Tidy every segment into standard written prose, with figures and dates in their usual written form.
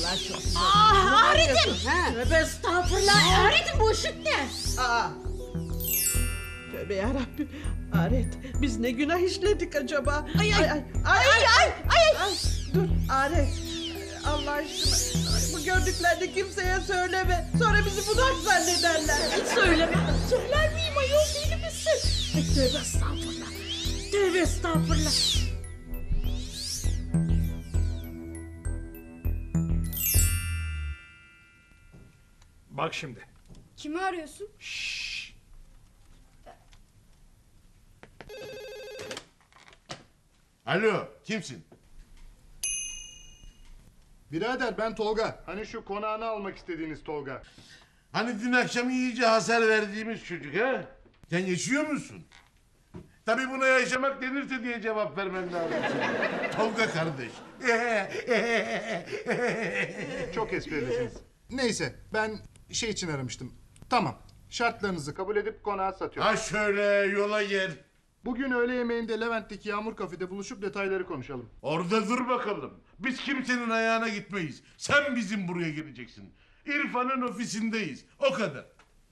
Vallahi çok zor. Ahret'im! Tövbe estağfurullah. Ahret'im bu ışık ne? Tövbe yarabbim. Aret, biz ne günah işledik acaba? Ay. Dur Aret. Allah aşkına. Bu gördüklerini kimseye söyleme. Sonra bizi budak zannederler. Hiç söyleme. Söyler miyim ayol, deli misin? Ay, tövbe estağfurullah. Tövbe estağfurullah. Bak şimdi. Kimi arıyorsun? Alo, kimsin? Birader ben Tolga. Hani şu konağını almak istediğiniz Tolga. Hani dün akşam iyice hasar verdiğimiz çocuk ha? Sen yaşıyor musun? Tabii buna yaşamak denirse diye cevap vermen lazım senin. Tolga kardeş. Çok esprilisiniz. Neyse ben şey için aramıştım. Tamam. Şartlarınızı kabul edip konağı satıyorum. Ha şöyle yola gel. Bugün öğle yemeğinde Levent'teki Yağmur Kafede buluşup detayları konuşalım. Orada dur bakalım. Biz kimsenin ayağına gitmeyiz. Sen bizim buraya geleceksin. İrfan'ın ofisindeyiz. O kadar.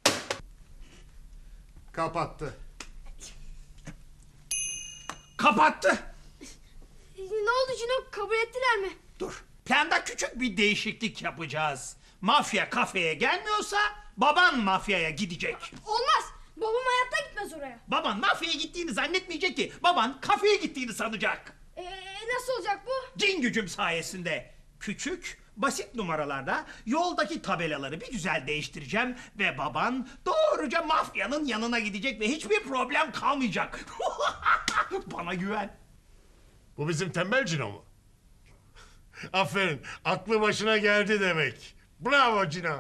Kapattı. Kapattı. Ne oldu Cino? Kabul ettiler mi? Dur. Planda küçük bir değişiklik yapacağız. Mafya kafeye gelmiyorsa baban mafyaya gidecek. Olmaz. Babam hayatta gitmez oraya. Baban mafyaya gittiğini zannetmeyecek ki. Baban kafeye gittiğini sanacak. Nasıl olacak bu? Cin gücüm sayesinde. Küçük, basit numaralarda yoldaki tabelaları bir güzel değiştireceğim ve baban doğruca mafyanın yanına gidecek ve hiçbir problem kalmayacak. Bana güven. Bu bizim tembel Cino mu? Aferin. Aklı başına geldi demek. Bravo Cino.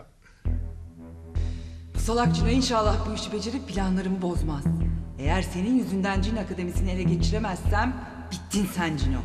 Salak Cino inşallah bu işi becerip planlarımı bozmaz. Eğer senin yüzünden Cin Akademisi'ni ele geçiremezsem bittin sen Cino.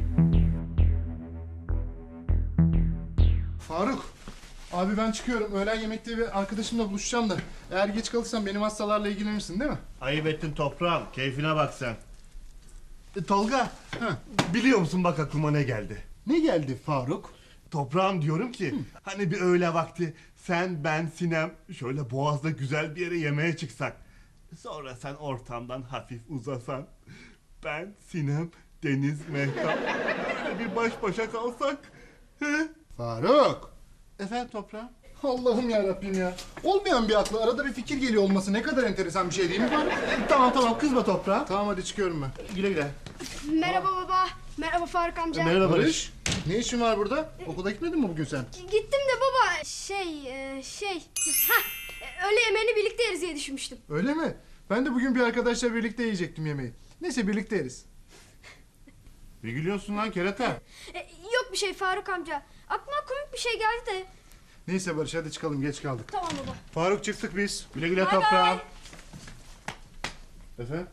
Faruk. Abi ben çıkıyorum. Öğlen yemekte bir arkadaşımla buluşacağım da. Eğer geç kalırsam benim hastalarla ilgilenirsin değil mi? Ayıp ettin toprağım. Keyfine bak sen. Tolga, Ha. biliyor musun bak aklıma ne geldi? Ne geldi Faruk? Toprağım diyorum ki, hani bir öğle vakti sen, ben, Sinem şöyle Boğaz'da güzel bir yere yemeğe çıksak. Sonra sen ortamdan hafif uzasan. Ben, Sinem, Deniz, Mehtap böyle bir baş başa kalsak. He? Faruk. Efendim toprağım? Allah'ım ya Rabbim ya. Olmayan bir aklı arada bir fikir geliyor olması ne kadar enteresan bir şey değil mi Faruk? Tamam kızma toprağım. Tamam hadi çıkıyorum ben. Güle güle. Merhaba baba. Merhaba Faruk amca. Merhaba Barış. Ne işin var burada? Okula gitmedin mi bugün sen? Gittim de baba öğle yemeğini birlikte yeriz diye düşünmüştüm. Öyle mi? Ben de bugün bir arkadaşla birlikte yiyecektim yemeği. Neyse birlikte yeriz. Ne gülüyorsun lan kerata? Yok bir şey Faruk amca. Aklıma komik bir şey geldi de. Neyse Barış hadi çıkalım geç kaldık. Tamam baba. Faruk çıktık biz. Güle güle Bay toprağım. bay. Efendim?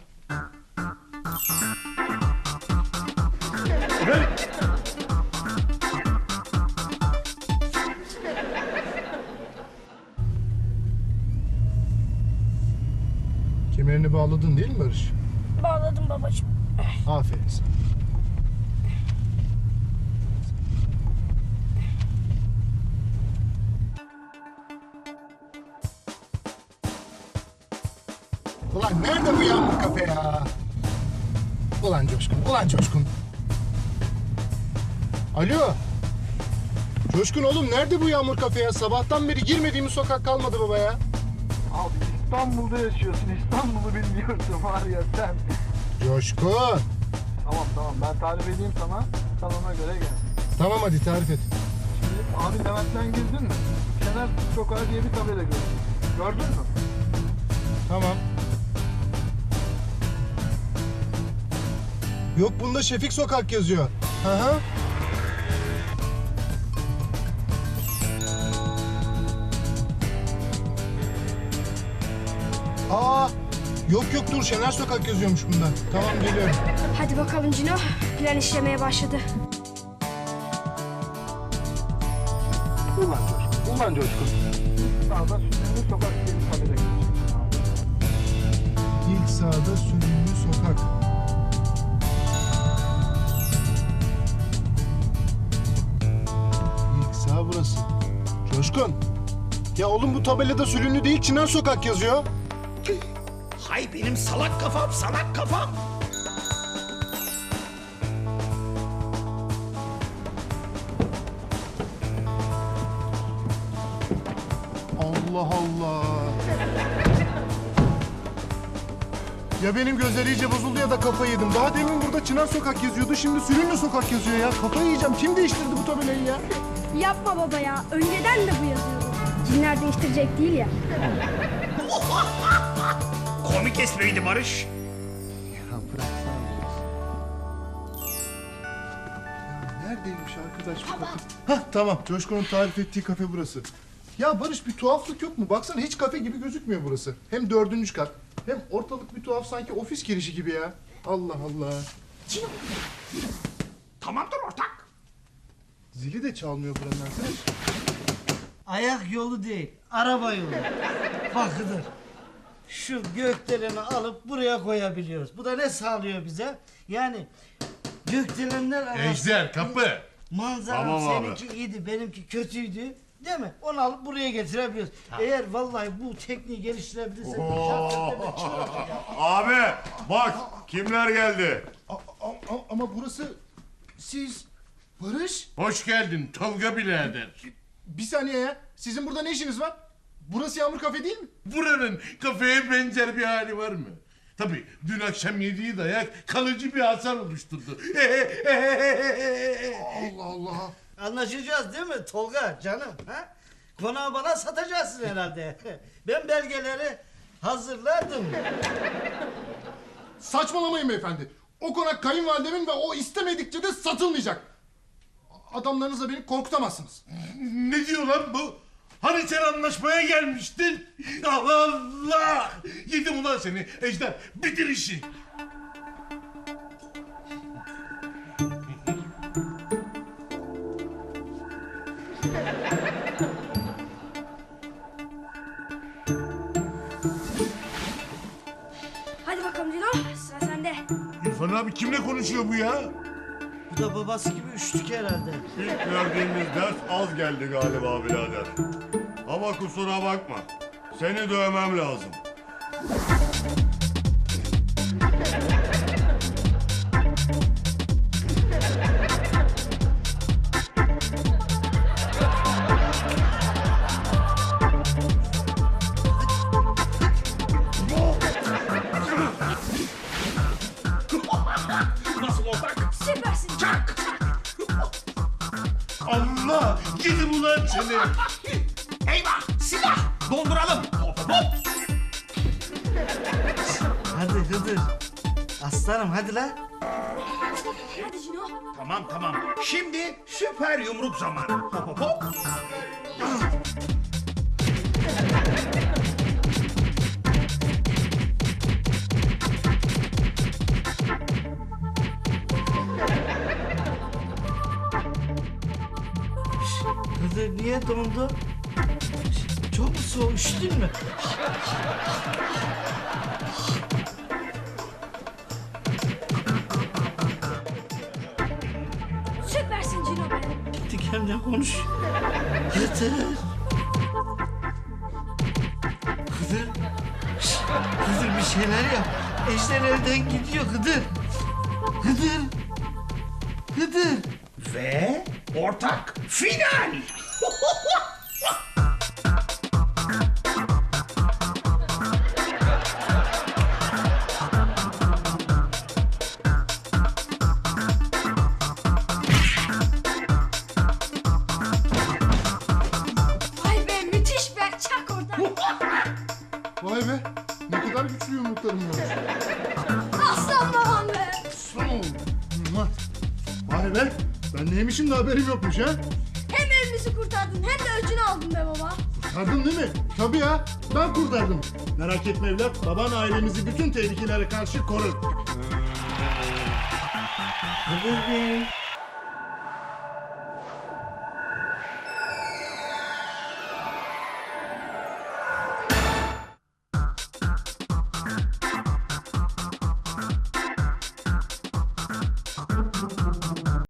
Kemerini bağladın değil mi Barış? Bağladım babacığım. Aferin sana. Ulan nerede bu Yağmur Kafe ya? Ulan Coşkun, ulan Coşkun. Alo. Coşkun oğlum nerede bu Yağmur Kafe ya? Sabahtan beri girmediğimiz sokak kalmadı baba ya. Abi İstanbul'da yaşıyorsun. İstanbul'u bilmiyorsun var ya sen. Coşkun. Tamam ben tarif edeyim sana. Sen ona göre gel. Tamam hadi tarif et. Şimdi abi Levent'ten girdin mi? Şener Sokağı diye bir tabela gördün. Gördün mü? Tamam. Yok bunda Şefik Sokak yazıyor. Hı hı. Aa, yok dur Şener Sokak yazıyormuş bunda. Tamam geliyorum. Hadi bakalım Cino. Plan işlemeye başladı. Ulan Coşkun. Sağda Sünni Sokak diye bir tabela gördün. İlk sağda Sürümlü Sokak. İlk sağ burası. Coşkun. Ya oğlum bu tabelada Sülünlü değil Çınar Sokak yazıyor. Hay benim salak kafam, salak kafam. Allah Allah. Ya benim gözler iyice bozuldu ya da kafayı yedim. Daha demin burada Çınar Sokak yazıyordu. Şimdi Sülünlü Sokak yazıyor ya. Kafayı yiyeceğim. Kim değiştirdi bu tabelayı ya? Yapma baba ya. Önceden de bu yazıyordu. Cinler değiştirecek değil ya. Komik espriydi Barış. Ya bıraksana biraz. Ya neredeymiş arkadaş bu kafe? Hah tamam. Coşkun'un tarif ettiği kafe burası. Ya Barış bir tuhaflık yok mu? Baksana hiç kafe gibi gözükmüyor burası. Hem 4. kat. Hem ortalık bir tuhaf sanki ofis girişi gibi ya. Allah Allah. Tamamdır ortak. Zili de çalmıyor buranın arkadaş. Ayak yolu değil, araba yolu. Bak Hıdır, şu gökdeleni alıp buraya koyabiliyoruz. Bu da ne sağlıyor bize? Yani gökdelenler arasında... Ejder kapı. Manzara Tamam abi. seninki iyiydi, benimki kötüydü. Değil mi? Onu alıp buraya getirebiliyoruz. Eğer vallahi bu tekniği geliştirebilirsek... Abi bak kimler geldi. Ama burası siz Barış. Hoş geldin Tolga birader. Bir saniye ya. Sizin burada ne işiniz var? Burası Yağmur Kafe değil mi? Buranın kafeye benzer bir hali var mı? Tabii dün akşam yediği dayak kalıcı bir hasar oluşturdu. Allah Allah. Anlaşacağız değil mi Tolga canım? Ha? Konağı bana satacaksın herhalde. Ben belgeleri hazırladım. Saçmalamayın beyefendi. O konak kayınvalidemin ve o istemedikçe de satılmayacak. Adamlarınızla beni korkutamazsınız. Ne diyor lan bu? Hani sen anlaşmaya gelmiştin? Allah Allah! Yedim ulan seni Ejder. Bitir işi. Hadi bakalım Cino. Sıra sende. İrfan abi kimle konuşuyor bu ya? Bu da babası gibi üçlük herhalde. İlk verdiğimiz ders az geldi galiba birader. Ama kusura bakma. Seni dövmem lazım. Nasıl ortak? Süpersin. Çak! Allah! Yedim ulan seni. Eyvah! Silah! Donduralım! Hop hop! Hadi Hıdır. Aslanım hadi lan. Hadi Cino. Tamam tamam. Şimdi süper yumruk zamanı. Hop hop hop! Hıdır niye dondu? Çok mu soğuk üşüdün mü? Süpersin Cino be. Gitti kendine konuş. Hıdır. Hıdır. Şşt, Hıdır bir şeyler yap. Ejder elden gidiyor Hıdır. Hıdır. Hıdır. Ve ortak final! Vay be müthiş be. Çak oradan. Vay be. Ne kadar güçlü yumruklarım var. Aslan babam be. Aslan oğlum. Mua. Vay be. Ben neymişim de haberim yokmuş ha. Hem evimizi kurtardın hem de öcünü aldın be baba. Kurtardın değil mi? Tabii ya. Ben kurtardım. Merak etme evlat. Baban ailemizi bütün tehlikelere karşı korur. Hıdır Bey.